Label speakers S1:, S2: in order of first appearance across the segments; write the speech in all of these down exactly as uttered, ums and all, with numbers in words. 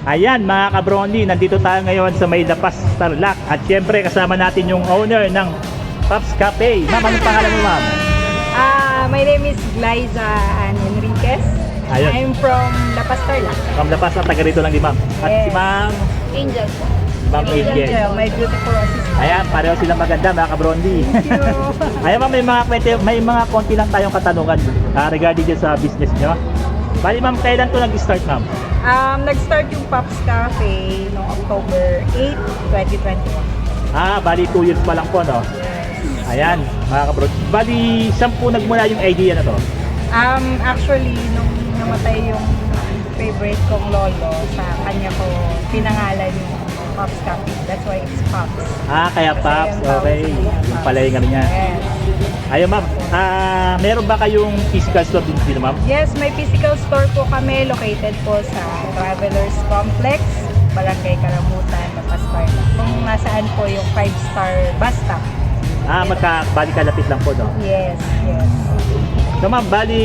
S1: Ayan mga kabrondi, nandito tayo ngayon sa May Lapas, Tarlac. At syempre kasama natin yung owner ng Pops Cafe. Ma'am, anong pangalan mo, ma'am?
S2: Uh, my name is Glyza Ann Enriquez.
S1: Ayun.
S2: I'm from La Paz, Tarlac.
S1: From Lapas, na taga rito lang di ma'am. At
S2: Yes.
S1: si ma'am,
S2: Angel po.
S1: Ma'am Angel.
S2: my beautiful assistant.
S1: Ayan, pareho silang maganda mga kabrondi.
S2: Thank you.
S1: Ayan ma'am, may mga, kwente, may mga konti lang tayong katanungan uh, regarding dyan sa business nyo. Bali ma'am, kailan to nag-start ma'am?
S2: Um, nag-start yung Pops Cafe noong October eighth, twenty twenty-one.
S1: Ah, bali two years pa lang po, no?
S2: Yes.
S1: Ayan, mga kabrondi. Bali, saan po nagmula yung idea na to?
S2: Um, actually, nung namatay yung favorite kong lolo, sa kanya ko pinangalan yung Pops Cafe. That's why it's Pops.
S1: Ah, kaya
S2: Kasi
S1: Pops,
S2: yung tawag
S1: okay.
S2: sa kanya,
S1: Yung
S2: Pops.
S1: pala yung ano niya.
S2: Yes.
S1: Ayun ma'am, ah, meron ba kayong physical store din dito ma'am?
S2: Yes, may physical store po kami located po sa Travelers Complex, Barangay Karamutan, La Paz, Tarlac. Kung nasaan po yung five star bus stop.
S1: Ah, magka, bali kalapit lang po, no?
S2: Yes, yes.
S1: So ma'am, bali,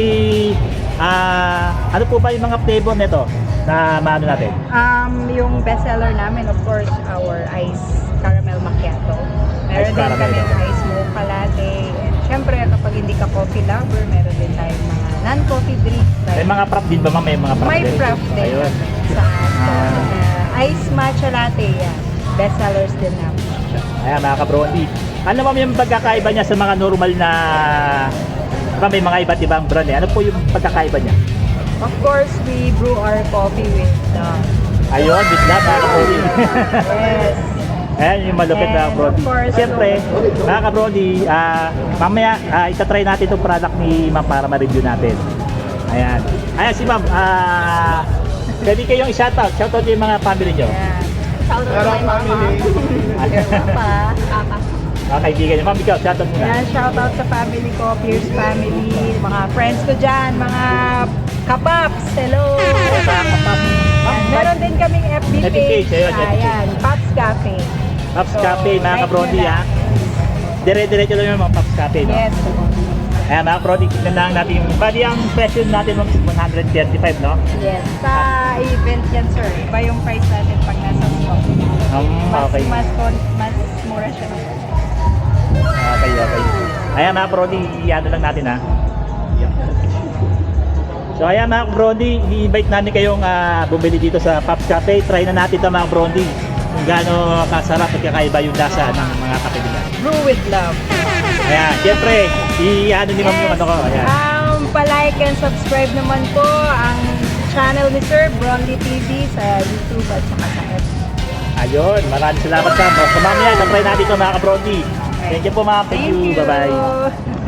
S1: ah, ano po ba yung mga flavor nito na maano natin?
S2: Um, yung bestseller namin, of course, our ice caramel macchiato. Meron
S1: Ice
S2: din
S1: caramel.
S2: kami ice mocha latte. And syempre, kapag hindi ka coffee lover, meron din tayong mga non-coffee drinks.
S1: May
S2: Like,
S1: mga prop din ba ma'am? May mga prop
S2: may
S1: din?
S2: prop din
S1: Ayun.
S2: sa store.
S1: Ah.
S2: Uh, ice matcha latte, yan. Bestsellers din namin.
S1: Ayan mga kabrondi. Ano ma'am yung pagkakaiba niya sa mga normal na, diba may mga iba't ibang brand eh. Ano po yung pagkakaiba niya?
S2: Of course, we brew our coffee with the...
S1: Ayun, with love mga kabrondi.
S2: Yes.
S1: Ayan yung malupit
S2: And
S1: mga kabrondi.
S2: of course,
S1: Siyempre, mga kabrondi, ah, mamaya uh, itatry natin itong product ni ma'am para ma-review natin. Ayan. Ayan si ma'am, ah, pwede kayong i-shoutout. Shoutout yung mga family nyo.
S2: Yan. Shout out to my mama. Your papa. Papa.
S1: Mga kaibigan nyo. Ma'am, ikaw, shoutout muna.
S2: Yan, shout out sa family ko, Pierce family, mga friends ko dyan, mga kapaps, hello!
S1: Sa kapap.
S2: Yan, meron din kaming F B
S1: F B page,
S2: page.
S1: ayun, F B page.
S2: Ayan, Pops Cafe.
S1: Pops
S2: So,
S1: Cafe, mga
S2: like
S1: kabrondi
S2: nyo
S1: ha.
S2: lang.
S1: Dire-diretso lang yung mga Pops Cafe, no?
S2: Yes.
S1: Ayan, mga kabrondi, tignan lang natin yung, bali ang presyo natin ma'am is one thirty-five, no?
S2: Yes. Sa event yan, sir. Iba yung price natin pag nasa stock.
S1: Um,
S2: Mas,
S1: okay.
S2: mas, kon- mas mura siya.
S1: Okay, okay. Ayan mga kabrondi, i-ano lang natin ha. So ayan mga kabrondi, i-invite namin kayong ah, bumili dito sa Pops Cafe. Try na natin ito mga kabrondi kung gaano kasarap at kakaiba yung lasa ng mga kape nila.
S2: Brew with love.
S1: Ayan, syempre, i-ano ni ma'am yung ano ko. Ayan.
S2: Um, palike and subscribe naman po ang channel ni Sir Brondy T V sa YouTube at saka sa F B.
S1: Ayun, maraming salamat sa mo. So mamaya, try natin ito mga kabrondi. Thank you po ma'am. Thank, you. Bye-bye.